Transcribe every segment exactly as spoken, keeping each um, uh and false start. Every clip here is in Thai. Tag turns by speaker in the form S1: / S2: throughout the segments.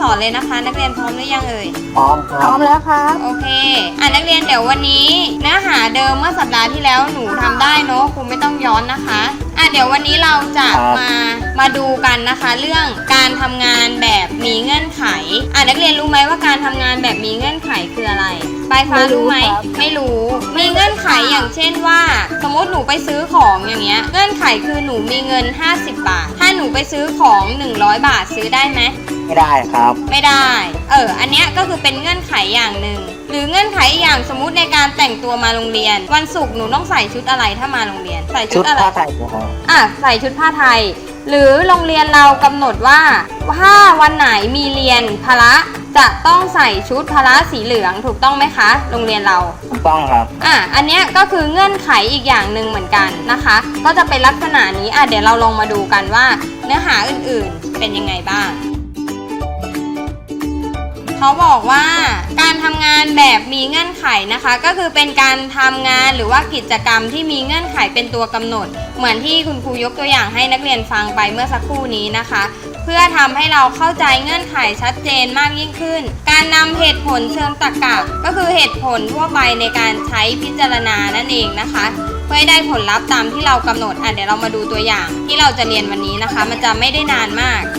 S1: อนเลยนะคะนักเรียนพร้อมหรือยังเอ่ย
S2: พร้อมค
S3: พร้
S2: รั
S3: อบ มแล้วครับ
S1: โอเคอ่ะนักเรียนเดี๋ยววันนี้เนื้อหาเดิมเมื่อสัปดาห์ที่แล้วหนูทำได้เนอะครูไม่ต้องย้อนนะคะอ่ะเดี๋ยววันนี้เราจะมามาดูกันนะคะเรื่องการทำงานแบบมีเงื่อนไขอ่ะนักเรียนรู้ไหมว่าการทำงานแบบมีเงื่อนไขคืออะไรปลายฟ้ารู้ไหมไม่รู้มีเงื่อนไขอย่างเช่นว่าสมมติหนูไปซื้อของอย่างเงี้ยเงื่อนไขคือหนูมีเงินห้าสิบบาทถ้าหนูไปซื้อของหนึ่งร้อยบาทซื้อได้ไหม
S2: ไม่ได้ครับ
S1: ไม่ได้เอออันเนี้ยก็คือเป็นเงื่อนไขอย่างหนึ่งหรือเงื่อนไขอย่างสมมุติในการแต่งตัวมาโรงเรียนวันศุกร์หนูต้องใส่ชุดอะไรถ้ามาโรงเรียนใส่ชุ
S2: ชุ
S1: ด
S2: ด
S1: อะไร
S2: ผ้าไทยครับ
S1: อ่ะใส่ชุดผ้าไทยหรือโรงเรียนเรากำหนดว่าถ้าวันไหนมีเรียนพละจะต้องใส่ชุดพละสีเหลืองถูกต้องไหมคะโรงเรียนเรา
S2: ถูกต้องครับ
S1: อ่ะอันเนี้ยก็คือเงื่อนไขอีกอย่างหนึ่งเหมือนกันนะคะก็จะเป็นลักษณะนี้อ่ะเดี๋ยวเราลองมาดูกันว่าเนื้อหาอื่นๆเป็นยังไงบ้างเขาบอกว่าการทำงานแบบมีเงื่อนไขนะคะก็คือเป็นการทำงานหรือว่ากิจกรรมที่มีเงื่อนไขเป็นตัวกำหนดเหมือนที่คุณครูยกตัวอย่างให้นักเรียนฟังไปเมื่อสักครู่นี้นะคะเพื่อทำให้เราเข้าใจเงื่อนไขชัดเจนมากยิ่งขึ้นการนำเหตุผลเชิงตรรกะก็คือเหตุผลทั่วไปในการใช้พิจารณานั่นเองนะคะเพื่อให้ได้ผลลัพธ์ตามที่เรากำหนดอ่ะเดี๋ยวเรามาดูตัวอย่างที่เราจะเรียนวันนี้นะคะมันจะไม่ได้นานมาก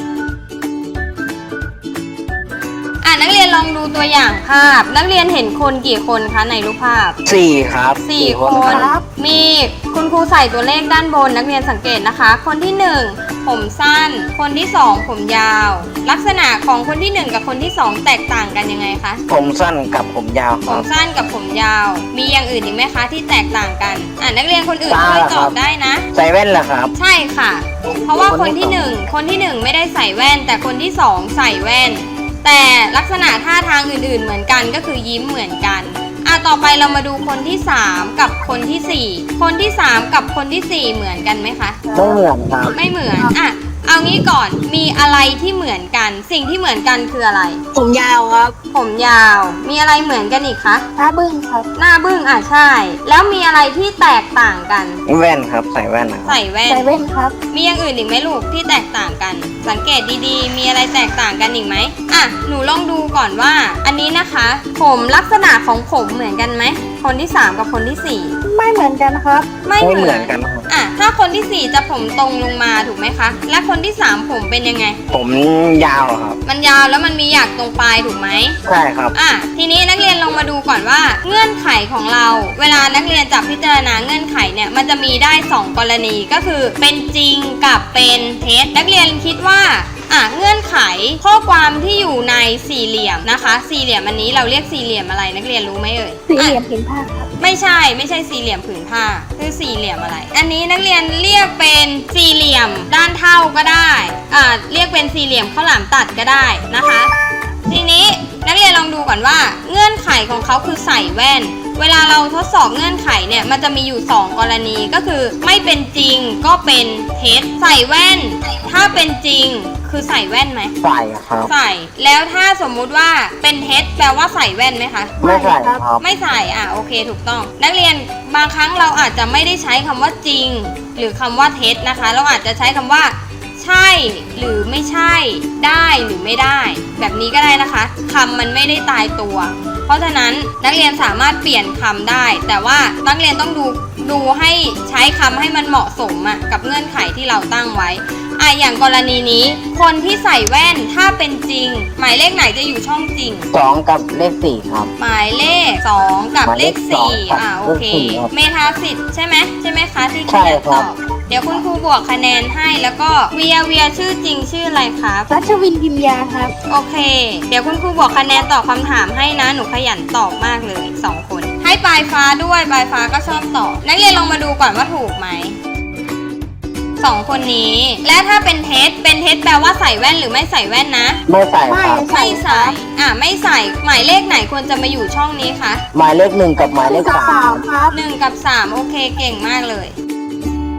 S1: อ่ะนักเรียนลองดูตัวอย่างภาพนักเรียนเห็นคนกี่คนคะในรูปภาพ
S2: สี่ครับ
S1: สี่คน
S2: รับ
S1: มีคุณครูใส่ตัวเลขด้านบนนักเรียนสังเกตนะคะคนที่หนึ่งผมสั้นคนที่สองผมยาวลักษณะของคนที่หนึ่งกับคนที่สองแตกต่างกันยังไงคะ
S2: ผมสั้นกับผมยาวค
S1: ผ
S2: รั
S1: ม
S2: บ
S1: สั้นกับผมยาวมีอย่างอื่นอีกไหมคะที่แตกต่างกันอ่ะนักเรียนคนอื่น
S2: ตา
S1: ช่วยตอบ
S2: ครับ
S1: ได้นะ
S2: ใส่แว่นเหรอครับ
S1: ใช่ค่ะ เพราะว่าคนที่
S2: คนที่
S1: หนึ่งคนที่หนึ่งไม่ได้ใส่แว่น แต่คนที่สองใส่แว่น แต่ลักษณะท่าทางอื่นๆเหมือนกันก็คือยิ้มเหมือนกันอ่ะต่อไปเรามาดูคนที่สามกับคนที่สี่คนที่สามกับคนที่สี่เหมือนกันไหมคะ
S2: ไม่เหมือนครับ
S1: ไม่เหมือนอ่ะเอางี้ก่อนมีอะไรที่เหมือนกัน สิ่งที่เหมือนกันคืออะไร
S3: ผมยาวครับ
S1: ผมยาว มีอะไรเหมือนกันอีกคะ
S3: หน้าบึ้งครับ
S1: หน้าบึ้งอ่ะใช่ แล้วมีอะไรที่แตกต่างกัน
S2: แว่นครับ ใส่แว่นนะครับ
S1: ใส่แว่น
S3: ใส่เว่นครับ
S1: มีอย่างอื่นอีกไหมลูกที่แตกต่างกัน สังเกตดีๆ มีอะไรแตกต่างกันอีกไหมอ่ะหนูลองดูก่อนว่า อันนี้นะคะ ผมลักษณะของผมเหมือนกันไหมคนที่สามกับคนที่สี่
S3: ไม่เหมือนกันครับ
S1: ไม่
S2: ไม่
S1: เห
S2: เห
S1: มื
S2: มื
S1: อ
S2: อน นกันครับ
S1: อ่ะถ้าคนที่สี่จะผมตรงลงมาถูกไหมคะ และคนที่สามผมเป็นยังไง
S2: ผมยาวครับ
S1: มันยาวแล้วมันมีหยักตรงปลายถูกไหม
S2: ใช่ครับ
S1: อ่ะทีนี้นักเรียนลองมาดูก่อนว่า เงื่อนไขของเรา เวลานักเรียนจะพิจารณาเงื่อนไขเนี่ยมันจะมีได้สองกรณีก็คือเป็นจริงกับเป็นเท็จนักเรียนคิดว่าอ่ะเงื่อนไขข้อความที่อยู่ในสี่เหลี่ยมนะคะ สี่เหลี่ยมอันนี้เราเรียกสี่เหลี่ยมอะไรนักเรียนรู้ไหมเอ่ย
S3: สี่เหลี่ยม
S1: อ่ะ
S3: ผืนผ้าครับ
S1: ไม่ใช่ไม่ใช่สี่เหลี่ยมผืนผ้าคือสี่เหลี่ยมอะไร อันนี้นักเรียนเรียกเป็นสี่เหลี่ยมด้านเท่าก็ได้อ่าเรียกเป็นสี่เหลี่ยมข้าวหลามตัดก็ได้นะคะ ทีนี้นักเรียนลองดูก่อนว่าเงื่อนไขของเขาคือใส่แว่น เวลาเราทดสอบเงื่อนไขเนี่ยมันจะมีอยู่สองกรณีก็คือไม่เป็นจริงก็เป็นเท็จใส่แว่น ถ้าเป็นจริงคือใส่แว่นไหม
S2: ใส่ครับ
S1: ใส่แล้วถ้าสมมุติว่าเป็นเท็จแปลว่าใส่แว่นไหมคะ
S2: ไม่ใส่ครับ
S1: ไม่ใส่อ่ะโอเคถูกต้อง นักเรียนบางครั้งเราอาจจะไม่ได้ใช้คำว่าจริง หรือคำว่าเท็จนะคะ เราอาจจะใช้คำว่าใช่หรือไม่ใช่ได้หรือไม่ได้ แบบนี้ก็ได้นะคะคำมันไม่ได้ตายตัว เพราะฉะนั้นนักเรียนสามารถเปลี่ยนคำได้ แต่ว่านักเรียนต้องดูดูให้ใช้คำให้มันเหมาะสมอ่ะกับเงื่อนไขที่เราตั้งไว้อ่ะอย่างกรณีนี้ คนที่ใส่แว่นถ้าเป็นจริง หมายเลขไหนจะอยู่ช่องจริง
S2: สองกับเลขสี่ครับ
S1: หมายเลขสองกับเลขสี่
S2: หมายเลขสองกับ
S1: อ่าโอเค
S2: เลขสี่ครับ
S1: เมธาสิทธิ์ใช่ไหมใช่ไหมคะที่
S2: ใช่
S1: เขียน
S2: ครั
S1: ต
S2: บ
S1: อบเดี๋ยวคุณครูบวกคะแนนให้แล้วก็เวียเวียชื่อจริงชื่ออะไรครับ
S3: รัชวินพิมยาครับ
S1: โอเค เดี๋ยวคุณครูบวกคะแนนตอบคำถามให้นะหนูขยันตอบมากเลยสองคน ให้ปลายฟ้าด้วยปลายฟ้าก็ชอบตอบนักเรียนลองมาดูก่อนว่าถูกไหมสองคนนี้ และถ้าเป็นเท็จเป็นเท็จแปลว่าใส่แว่นหรือไม่ใส่แว่นนะ
S2: ไม่ใส่ครับ
S1: ไม่ใส่อ่ะไม่ใส่หมายเลขไหนควรจะมาอยู่ช่องนี้คะ
S2: หมายเลขหนึ่งกับหมายเลข
S3: กับ
S2: สา
S3: สาม
S2: ม
S3: ครับ
S1: หนึ่งกับสามโอเคเก่งมากเลย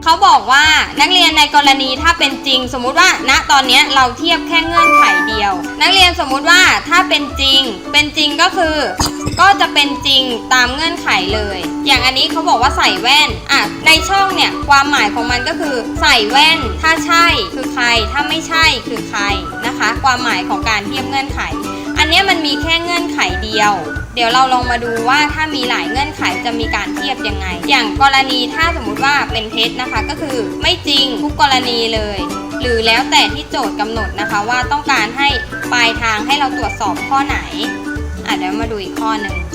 S1: เขาบอกว่านักเรียนในกรณีถ้าเป็นจริง สมมุติว่าณตอนนี้เราเทียบแค่เงื่อนไขเดียว นักเรียนสมมุติว่าถ้าเป็นจริงเป็นจริงก็คือ ก็จะเป็นจริงตามเงื่อนไขเลย อย่างอันนี้เขาบอกว่าใส่แว่นอ่ะในช่องเนี่ยความหมายของมันก็คือใส่แว่นถ้าใช่คือใครถ้าไม่ใช่คือใครนะคะ ความหมายของการเทียบเงื่อนไข อันนี้มันมีแค่เงื่อนไขเดียวเดี๋ยวเราลองมาดูว่าถ้ามีหลายเงื่อนไขจะมีการเทียบยังไง อย่างกรณีถ้าสมมุติว่าเป็นเท็จนะคะก็คือไม่จริงทุกกรณีเลย หรือแล้วแต่ที่โจทย์กำหนดนะคะว่าต้องการให้ปลายทางให้เราตรวจสอบข้อไหนอ่ะเดี๋ยวมาดูอีกข้อหนึ่ง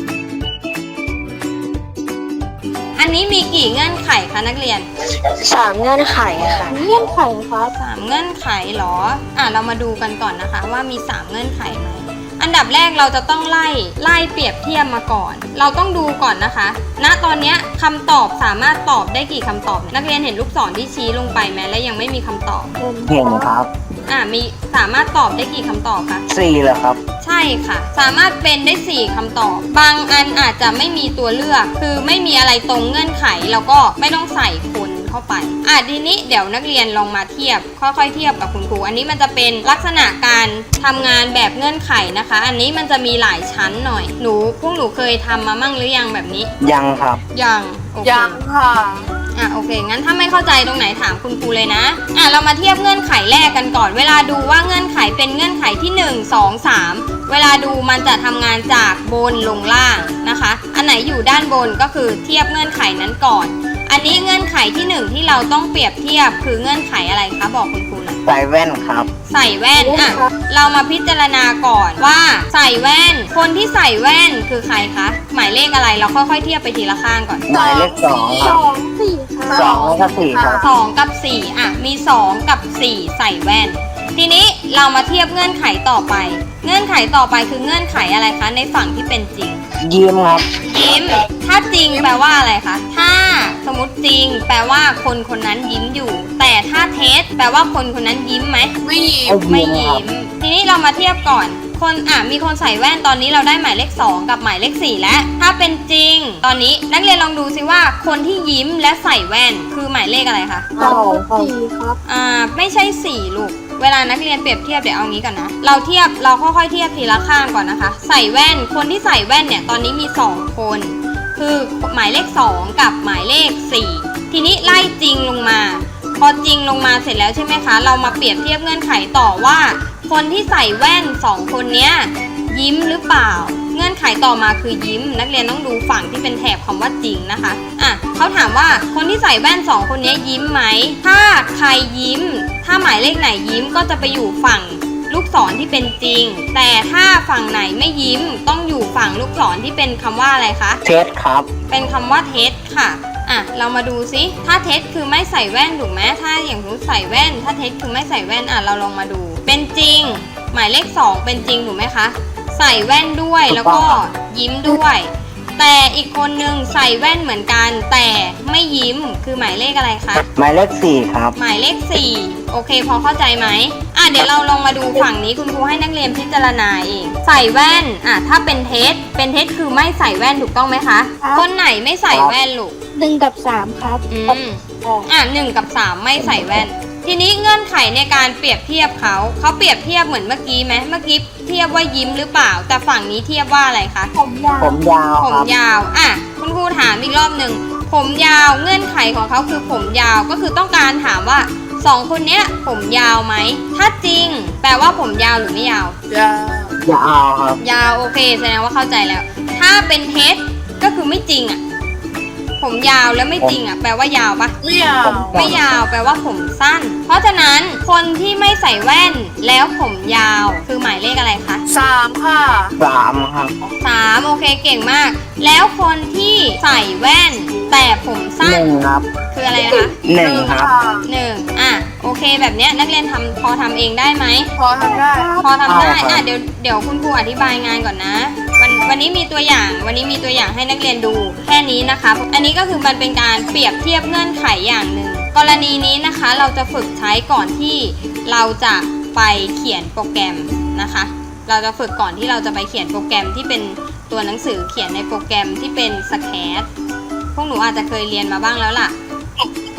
S1: อันนี้มีกี่เงื่อนไขคะนักเรียน
S3: สามเงื่อนไขค่ะเงื่อนไขครับ
S1: สามเงื่อนไขเหรออ่ะเรามาดูกันก่อนนะคะว่ามีสามเงื่อนไขไหมอันดับแรกเราจะต้องไล่ไล่เปรียบเทียบมาก่อน เราต้องดูก่อนนะคะ ณ ตอนนี้คำตอบสามารถตอบได้กี่คำตอบเนี่ยนักเรียนเห็นลูกศรที่ชี้ลงไปไหมและยังไม่มีคำตอบ
S2: เห็นครับ
S1: อ่ะมีสามารถตอบได้กี่คำตอบคะ
S2: สี่เหรอครับ
S1: ใช่ค่ะ สามารถเป็นได้สี่คำตอบ บางอันอาจจะไม่มีตัวเลือก คือไม่มีอะไรตรงเงื่อนไขแล้วก็ไม่ต้องใส่คนเข้าไปอ่ะทีนี้เดี๋ยวนักเรียนลองมาเทียบค่อยๆเทียบกับคุณครูอันนี้มันจะเป็นลักษณะการทำงานแบบเงื่อนไขนะคะ อันนี้มันจะมีหลายชั้นหน่อยหนูพวกหนูเคยทำมามั่งหรือยังแบบนี้
S2: ยังครับ
S1: ยังโอเค
S3: ยังค่ะ
S1: อ่ะโอเคงั้นถ้าไม่เข้าใจตรงไหนถามคุณครูเลยนะอ่ะเรามาเทียบเงื่อนไขแรกกันก่อนเวลาดูว่าเงื่อนไขเป็นเงื่อนไขที่หนึ่ง สอง สามเวลาดูมันจะทำงานจากบนลงล่างนะคะ อันไหนอยู่ด้านบนก็คือเทียบเงื่อนไขนั้นก่อนอันนี้เงื่อนไขที่หนึ่งที่เราต้องเปรียบเทียบคือเงื่อนไขอะไรคะบอกคุณครูหน่อย
S2: ใส่แว่นครับ
S1: ใส่แว่นอ่ะเรามาพิจารณาก่อนว่าใส่แว่นคนที่ใส่แว่นคือใครคะหมายเลขอะไรเราค่อยๆเทียบไปทีละข้างก่อน
S2: หมายเลขสองค
S3: ส
S2: รับ
S3: องสี่ค่ะ
S2: สองแล้วก็สี่ครับ
S1: สองกับสี่อ่ะมีสองกับสี่ใส่แว่นทีนี้เรามาเทียบเงื่อนไขต่อไป เงื่อนไขต่อไปคือเงื่อนไขอะไรคะในฝั่งที่เป็นจริง
S2: ยิ้มครับ
S1: ยิ้มถ้าจริงแปลว่าอะไรคะถ้าสมมติจริง แปลว่าคนคนนั้นยิ้มอยู่ แต่ถ้าเท็จแปลว่าคนคนนั้นยิ้มไหม
S3: ไม่ยิ้ม
S1: ไม่ยิ้มทีนี้เรามาเทียบก่อนคนอ่ะมีคนใส่แว่นตอนนี้เราได้หมายเลขสองกับหมายเลขสี่แล้วถ้าเป็นจริง ตอนนี้นักเรียนลองดูซิว่าคนที่ยิ้มและใส่แว่นคือหมายเลขอะไรคะ
S3: สองสี่ครับ
S1: อ่าไม่ใช่สี่ลูกเวลานักเรียนเปรียบเทียบเดี๋ยวเอางี้ก่อนนะเราเทียบเราค่อยๆเทียบทีละข้างก่อนนะคะใส่แว่นคนที่ใส่แว่นเนี่ยตอนนี้มีสองคนคือหมายเลขสองกับหมายเลขสี่ทีนี้ไล่จริงลงมาพอจริงลงมาเสร็จแล้วใช่ไหมคะเรามาเปรียบเทียบเงื่อนไขต่อว่าคนที่ใส่แว่นสองคนเนี้ยยิ้มหรือเปล่าเงื่อนไขต่อมาคือยิ้มนักเรียนต้องดูฝั่งที่เป็นแถบคำว่าจริงนะคะอ่ะเขาถามว่าคนที่ใส่แว่นสองคนนี้ยิ้มไหมถ้าใครยิ้มถ้าหมายเลขไหนยิ้มก็จะไปอยู่ฝั่งลูกศรที่เป็นจริงแต่ถ้าฝั่งไหนไม่ยิ้มต้องอยู่ฝั่งลูกศรที่เป็นคำว่าอะไรคะ
S2: เท็จครับ
S1: เป็นคำว่าเท็จค่ะอ่ะเรามาดูซิถ้าเท็จคือไม่ใส่แว่นถูกไหมถ้าอย่างรู้ใส่แว่นถ้าเท็จคือไม่ใส่แว่นอ่ะเราลองมาดูเป็นจริงหมายเลขสองเป็นจริงถูกไหมคะใส่แว่นด้วยแล้วก็ยิ้มด้วยแต่อีกคนนึงใส่แว่นเหมือนกันแต่ไม่ยิ้มคือหมายเลขอะไรคะ
S2: หมายเลขสี่ครับ
S1: หมายเลขสี่โอเคพอเข้าใจไหมอ่ะเดี๋ยวเราลองมาดูฝั่งนี้คุณครูให้นักเรียนพิจารณาเองใส่แว่นอ่ะถ้าเป็นเท็จเป็นเท็จคือไม่ใส่แว่นถูกต้องไหมคะคนไหนไม่ใส่แว่นลูก
S3: หนึ่งกับสามครับ
S1: อืมอ่ะหนึ่งกับสามไม่ใส่แว่นทีนี้เงื่อนไขในการเปรียบเทียบเขาเขาเปรียบเทียบเหมือนเมื่อกี้ไหมเมื่อกี้เทียบว่ายิ้มหรือเปล่าแต่ฝั่งนี้เทียบว่าอะไรคะ
S3: ผมยาว
S2: ผมยาว
S1: ผม
S2: ครับ
S1: ยาวอ่ะคุณครูถามอีกรอบหนึ่งผมยาวเงื่อนไขของเขาคือผมยาวก็คือต้องการถามว่าสองคนเนี้ยผมยาวไหมถ้าจริงแปลว่าผมยาวหรือไม่ยาวย
S3: าว
S2: ยาวครับ
S1: ยาวโอเคแสดงว่าเข้าใจแล้ว ถ้าเป็นเท็จก็คือไม่จริงอ่ะผมยาวแล้วไม่จริงอ่ะแปลว่ายาวปะ
S3: ไม่ยาว
S1: ไม่ยาวแปลว่าผมสั้น เพราะฉะนั้นคนที่ไม่ใส่แว่นแล้วผมยาวคือหมายเลขอะไรคะ
S3: สามค่ะ
S2: สามครับ
S1: สามโอเคเก่งมาก แล้วคนที่ใส่แว่นแต่ผม
S2: ห
S1: สั้น
S2: นึ่งครับ
S1: คืออะไรนะคะ
S2: หนึ่งครับ
S1: หนึ่งอ่ะโอเคแบบเนี้ยนักเรียนทำพอทำเองได้ไหม
S3: พอทำได้
S1: พอทำได้
S2: เอาครับ
S1: อ่ะเดี๋ยวเดี๋ยวคุณครูอธิบายงานก่อนนะ วันวันนี้มีตัวอย่างวันนี้มีตัวอย่างให้นักเรียนดูแค่นี้นะคะ อันนี้ก็คือมันเป็นการเปรียบเทียบเงื่อนไขอย่างหนึ่งกรณีนี้นะคะเราจะฝึกใช้ก่อนที่เราจะไปเขียนโปรแกรมนะคะ เราจะฝึกก่อนที่เราจะไปเขียนโปรแกรมที่เป็นตัวหนังสือเขียนในโปรแกรมที่เป็นสแคทพวกหนูอาจจะเคยเรียนมาบ้างแล้วล่ะ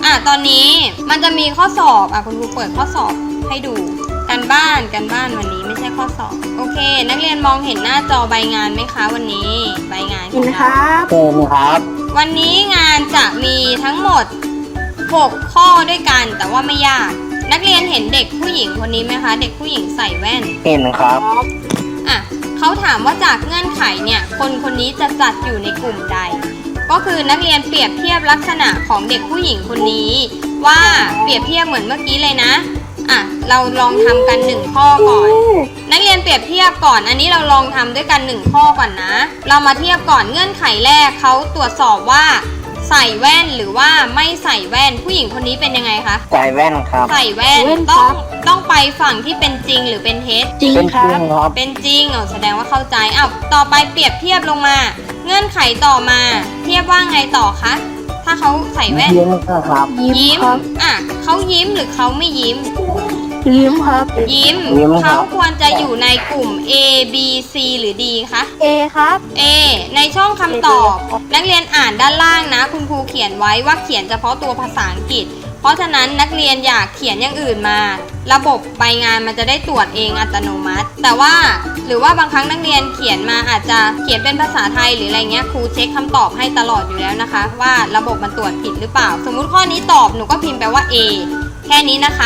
S1: อ่ะตอนนี้มันจะมีข้อสอบอ่ะคุณครูเปิดข้อสอบให้ดูการบ้านการบ้านวันนี้ไม่ใช่ข้อสอบโอเค นักเรียนมองเห็นหน้าจอใบงานไหมคะวันนี้ใบงานข
S3: เห็
S1: อน ง
S3: ค
S1: เรา
S3: รับ
S2: เชิญครับ
S1: วันนี้งานจะมีทั้งหมดหกข้อด้วยกันแต่ว่าไม่ยากนักเรียนเห็นเด็กผู้หญิงคนนี้ไหมคะเด็กผู้หญิงใส่แว่น
S2: เห็นครับ
S1: อ่ะเขาถามว่าจากเงื่อนไขเนี่ยคนคนนี้จะจัดอยู่ในกลุ่มใด ก็คือนักเรียนเปรียบเทียบลักษณะของเด็กผู้หญิงคนนี้ ว่าเปรียบเทียบเหมือนเมื่อกี้เลยนะอ่ะเราลองทำกันหนึ่งข้อก่อน นักเรียนเปรียบเทียบก่อนอันนี้เราลองทำด้วยกันหนึ่งข้อก่อนนะ เรามาเทียบก่อนเงื่อนไขแรกเขาตรวจสอบว่าใส่แว่นหรือว่าไม่ใส่แว่นผู้หญิงคนนี้เป็นยังไงคะ
S2: ใส่แว่นครับ
S1: ใส่แว่น
S3: แว่น
S1: ต้อง
S3: ครับ
S1: ต้องไปฝั่งที่เป็นจริงหรือเป็นเท็จ
S3: จริง
S2: เป็น
S3: ค
S2: จ
S3: รั
S2: ริ
S3: บ
S2: งครับ
S1: เป็นจริงอ๋อแสดงว่าเข้าใจอ้าวต่อไปเปรียบเทียบลงมา เงื่อนไขต่อมา เทียบว่าไงต่อคะถ้าเขาใส่แว่น
S2: ยิ้มครับ
S3: ยิ้มครับ
S1: อ่ะเขายิ้มหรือเขาไม่ยิ้ม
S3: ยิ้มครับ
S1: ยิ้ม
S2: ยิ้มครับ
S1: เขาควรจะอยู่ในกลุ่ม A B C หรือ D คะ
S3: เอครับ
S1: A ในช่องคำตอบ นักเรียนอ่านด้านล่างนะ คุณครูเขียนไว้ว่าเขียนเฉพาะตัวภาษาอังกฤษ เพราะฉะนั้นนักเรียนอยากเขียนอย่างอื่นมา ระบบใบงานมันจะได้ตรวจเองอัตโนมัติ แต่ว่าหรือว่าบางครั้งนักเรียนเขียนมาอาจจะเขียนเป็นภาษาไทยหรืออะไรเงี้ยครูเช็คคำตอบให้ตลอดอยู่แล้วนะคะ ว่าระบบมันตรวจผิดหรือเปล่า สมมุติข้อนี้ตอบหนูก็พิมพ์ไปว่า A แค่นี้นะคะ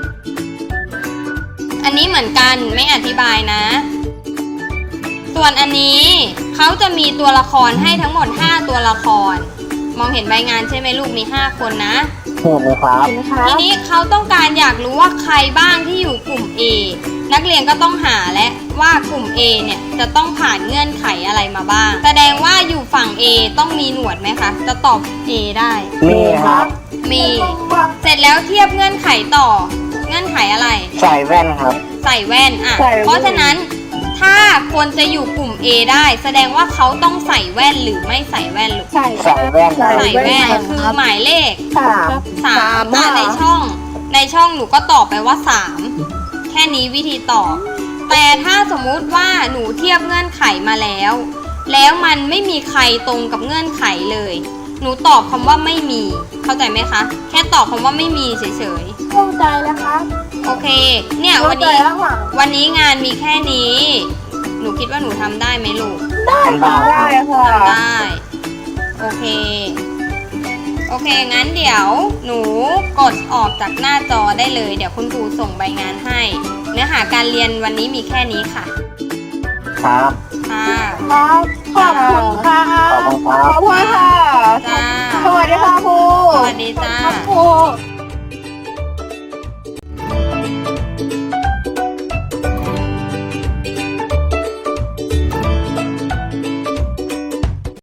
S1: อันนี้เหมือนกันไม่อธิบายนะ ส่วนอันนี้เขาจะมีตัวละครให้ทั้งหมดห้าตัวละคร มองเห็นใบงานใช่ไหมลูกมีห้าคนนะ
S2: เห็นครับ
S3: เห็นครับ
S1: ทีนี้เขาต้องการอยากรู้ว่าใครบ้างที่อยู่กลุ่ม A นักเรียนก็ต้องหาและว่ากลุ่ม A เนี่ยจะต้องผ่านเงื่อนไขอะไรมาบ้าง แสดงว่าอยู่ฝั่ง A ต้องมีหนวดไหมคะ จะตอบ A ได้
S2: มีครับ
S1: มี เสร็จแล้วเทียบเงื่อนไขต่อ เงื่อนไขอะไร
S2: ใส่แว่นครับ
S1: ใส่แว่นอ่ะ
S3: ใส่แว่น
S1: เพราะฉะนั้นถ้าคนจะอยู่กลุ่ม A ได้ แสดงว่าเขาต้องใส่แว่นหรือไม่ใส่แว่นลูก
S3: ใส่
S2: ใส่แว่น
S3: ใส่
S1: ใส่แว่น
S3: แว่น
S1: คือ
S3: ครับ
S1: หมายเลข
S3: สาม
S1: สาม
S3: อ่ะ
S1: อ่ะในช่อง ในช่องหนูก็ตอบไปว่าสามแค่นี้วิธีตอบ แต่ถ้าสมมุติว่าหนูเทียบเงื่อนไขมาแล้ว แล้วมันไม่มีใครตรงกับเงื่อนไขเลย หนูตอบคำว่าไม่มี เข้าใจไหมคะ แค่ตอบคำว่าไม่มีเฉย
S3: เข้าใจแล้วครับ
S1: ๆ โอเค เนี่ย
S3: เข้า
S1: วัน
S3: ใจ
S1: นี้
S3: แล้วหวัง
S1: วันนี้งานมีแค่นี้ หนูคิดว่าหนูทำได้ไหมลูก
S3: ได้ค่ะได้ค่ะ
S1: ทำได้ โอเค โอเค งั้นเดี๋ยวหนูกดออกจากหน้าจอได้เลย เดี๋ยวคุณครูส่งใบงานให้ เนื้อหาการเรียนวันนี้มีแค่นี้ค่ะ
S2: ครับ
S1: ค่ะ
S3: ครับขอบคุณค่ะ
S2: ขอบคุณครับ
S3: ขอบคุณค่ะ
S1: จ้า
S3: สวัสดีค่ะครู
S1: สวัสดีจ้า
S3: ครับครู